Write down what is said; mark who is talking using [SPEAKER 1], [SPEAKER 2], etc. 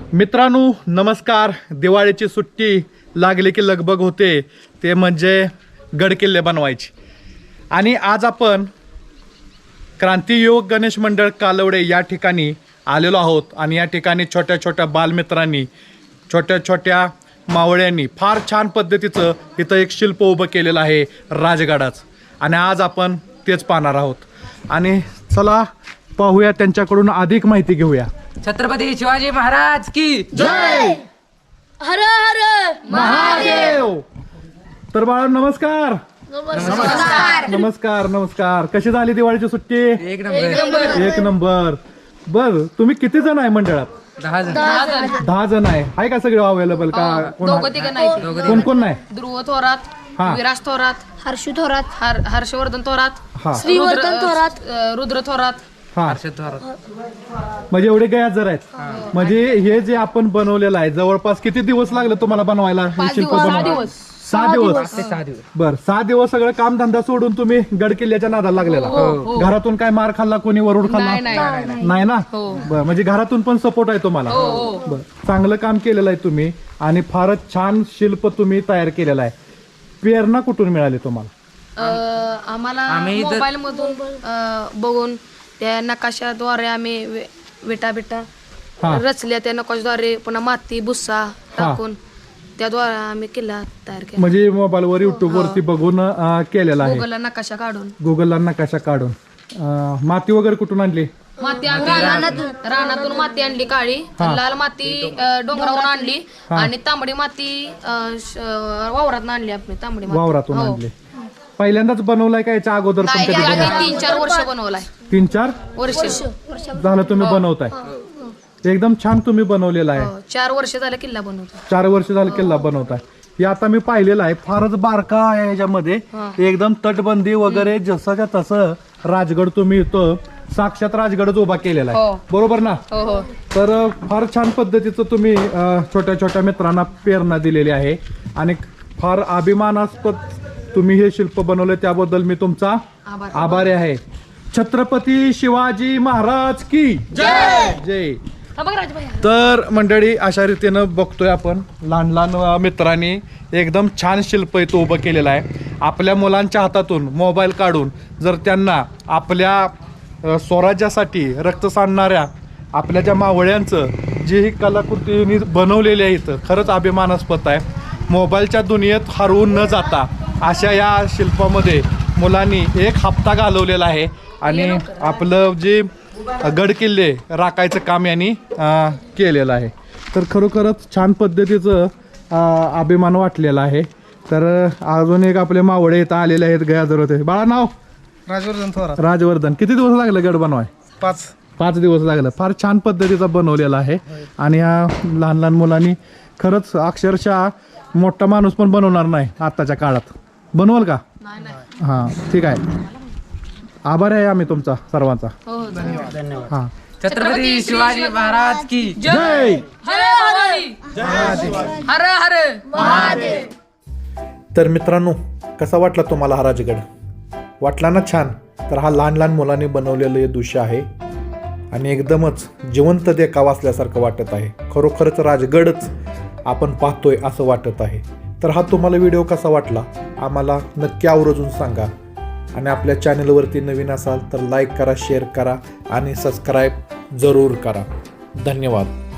[SPEAKER 1] मित्रांनो नमस्कार. दिवाळीची सुट्टी लागली की लगबग होते, ते म्हणजे गडकिल्ले बनवायची. आणि आज आपण क्रांतियोग गणेश मंडळ कालवडे या ठिकाणी आलेलो आहोत. आणि या ठिकाणी छोट्या छोट्या बालमित्रांनी, छोट्या छोट्या मावळ्यांनी फार छान पद्धतीचं इथं एक शिल्प उभं केलेलं आहे राजगडाचं. आणि आज आपण तेच पाहणार आहोत. आणि चला पाहूया, त्यांच्याकडून अधिक माहिती घेऊया.
[SPEAKER 2] छत्रपती शिवाजी महाराज की
[SPEAKER 1] जय.
[SPEAKER 3] हर हर
[SPEAKER 1] महादेव. तर बाळा नमस्कार. नमस्कार नमस्कार. कशी झाली दिवाळीची सुट्टी?
[SPEAKER 2] एक नंबर.
[SPEAKER 1] एक नंबर. बर, तुम्ही किती जण आहे मंडळात?
[SPEAKER 2] 10 जण.
[SPEAKER 1] 10 जण आहे का सगळे अवेलेबल का? कोण कोण नाही?
[SPEAKER 4] ध्रुव थोरात,
[SPEAKER 1] हा.
[SPEAKER 4] विराज थोरात,
[SPEAKER 3] हर्षू थोरात,
[SPEAKER 4] हर्षवर्धन थोरात,
[SPEAKER 1] हा
[SPEAKER 3] श्रीवर्धन थोरात,
[SPEAKER 4] रुद्र थोरात.
[SPEAKER 1] हा
[SPEAKER 2] हर्षद थोरात.
[SPEAKER 1] म्हणजे एवढे गैरहजर आहेत. म्हणजे हे जे आपण बनवलेलं आहे जवळपास किती दिवस लागले तुम्हाला बनवायला हे शिल्प बनवायला? 6 दिवस.
[SPEAKER 2] ते 6 दिवस.
[SPEAKER 1] बर, 6 दिवस सगळं काम धंदा सोडून तुम्ही गडकिल्ल्याच्या नादाला लागलेला. घरातून काय मार खाल्ला, कोणी वरूड खाल्ला? नाही ना. बर, म्हणजे घरातून पण सपोर्ट आहे तुम्हाला. बर, चांगलं काम केलेलं आहे तुम्ही आणि फारच छान शिल्प तुम्ही तयार केलेलं आहे. प्रेरणा कुठून मिळाली तुम्हाला?
[SPEAKER 4] आम्हाला
[SPEAKER 2] आम्ही इथं-
[SPEAKER 4] मोबाईल मधून बघून त्या नकाशाद्वारे आम्ही विटा
[SPEAKER 1] हा.
[SPEAKER 4] रचल्या. त्या नकाशाद्वारे पुन्हा माती भुस्सा टाकून त्याद्वारे आम्ही किल्ला तयार केला.
[SPEAKER 1] म्हणजे मोबाईलवर युट्यूब वरती बघून केलेला आहे.
[SPEAKER 4] गुगलला नकाशा काढून
[SPEAKER 1] गुगलला नकाशा काढून. माती वगैरे कुठून आणली?
[SPEAKER 4] माती आम्ही रानातून माती आणली काळी, लाल माती डोंगरावरून आणली आणि तांबडी माती वावरात आणली. आपली तांबडी माती
[SPEAKER 1] वावरातून आणली. पहिल्यांदाच बनवलाय का याच्या अगोदर पण कधी बनवलाय?
[SPEAKER 4] 3-4 वर्ष बनवलाय.
[SPEAKER 1] 3-4
[SPEAKER 4] वर्ष
[SPEAKER 1] झालं तुम्ही बनवताय. एकदम छान तुम्ही बनवलेला आहे.
[SPEAKER 4] 4 वर्ष झालं किल्ला बनवतो.
[SPEAKER 1] 4 वर्ष झालं किल्ला बनवताय. हे आता मी पाहिलेलं आहे, फारच बारका आहे याच्यामध्ये. एकदम तटबंदी वगैरे जसंच्या तसं राजगड तुम्ही इथं साक्षात राजगडच उभा केलेला आहे. बरोबर ना?
[SPEAKER 4] हो.
[SPEAKER 1] तर फार छान पद्धतीचं तुम्ही छोट्या छोट्या मित्रांना प्रेरणा दिलेली आहे आणि फार अभिमानास्पद तुम्ही हे शिल्प बनवलं, त्याबद्दल मी तुमचा आभारी आहे. छत्रपती शिवाजी महाराज की जय. जय. तर मंडळी, अशा रीतीनं बघतोय आपण लहान लहान मित्रांनी एकदम छान शिल्प इथं उभं केलेलं आहे. आपल्या मुलांच्या हातातून मोबाईल काढून जर त्यांना आपल्या स्वराज्यासाठी रक्त सांडणाऱ्या आपल्या ज्या मावळ्यांचं जी ही कलाकृती बनवलेली आहे इथं, खरंच अभिमानास्पद आहे. मोबाईलच्या दुनियेत हरवून न जाता अशा या शिल्पामध्ये मुलांनी एक हप्ता घालवलेला आहे आणि आपलं जे गडकिल्ले राखायचं काम यांनी केलेलं आहे. तर खरोखरच छान पद्धतीचं अभिमान वाटलेला आहे. तर अजून एक आपले मावळे इथं आलेले आहेत, गयादर होते. बाळा नाव?
[SPEAKER 5] राजवर्धन थोरात.
[SPEAKER 1] राजवर्धन. किती दिवस लागले गड बनवाय? 5 दिवस लागलं. फार छान पद्धतीचा बनवलेला आहे आणि ह्या लहान लहान मुलांनी खरंच अक्षरशः मोठा माणूस पण बनवणार नाही आत्ताच्या काळात. बनवाल का? हां, ठीक आहे. आभार आहे आम्ही तुमचा सर्वांचा. हां.
[SPEAKER 2] छत्रपती शिवाजी महाराज की
[SPEAKER 1] जय.
[SPEAKER 4] हर हर.
[SPEAKER 1] तर मित्रांनो, कसा वाटला तुम्हाला हा राजगड? वाटला ना छान? तर हा लहान लहान मुलांनी बनवलेलं हे दृश्य आहे आणि एकदमच जिवंत देखावा असल्यासारखं वाटत आहे. खरोखरच राजगडच आपण पाहतोय असं वाटत आहे. तर हा तुम्हाला व्हिडिओ कसा वाटला आम्हाला नक्की आवर्जून सांगा. आणि आपल्या चॅनलवरती नवीन असाल तर लाईक करा, शेअर करा आणि सबस्क्राईब जरूर करा. धन्यवाद.